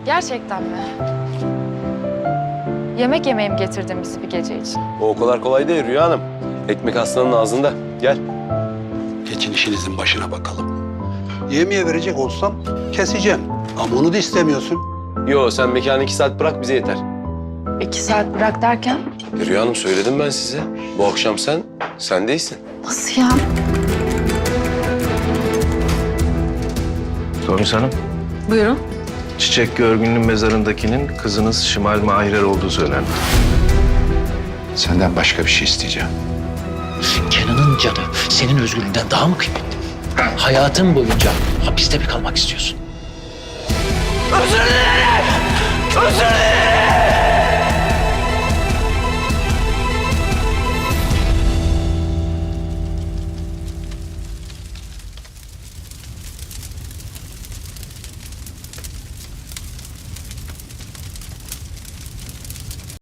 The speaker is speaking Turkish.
Gerçekten mi? Yemek yemeye mi getirdin bizi bir gece için? O kadar kolay değil Rüya Hanım. Ekmek aslanın ağzında. Gel. Geçin işinizin başına bakalım. Yemeğe verecek olsam keseceğim. Ama onu da istemiyorsun. Yo, sen mekanı 2 saat bırak, bize yeter. 2 saat bırak derken? Rüya Hanım, söyledim ben size. Bu akşam sen değilsin. Nasıl ya? Tomris Hanım, Buyurun. Çiçek Görgün'ün mezarındakinin kızınız Şimal Mahirer olduğu söylendi. Senden başka bir şey isteyeceğim. Kenan'ın canı senin özgürlüğünden daha mı kıymetli? Hayatın boyunca hapiste mi kalmak istiyorsun? Özür dilerim! Özür dilerim!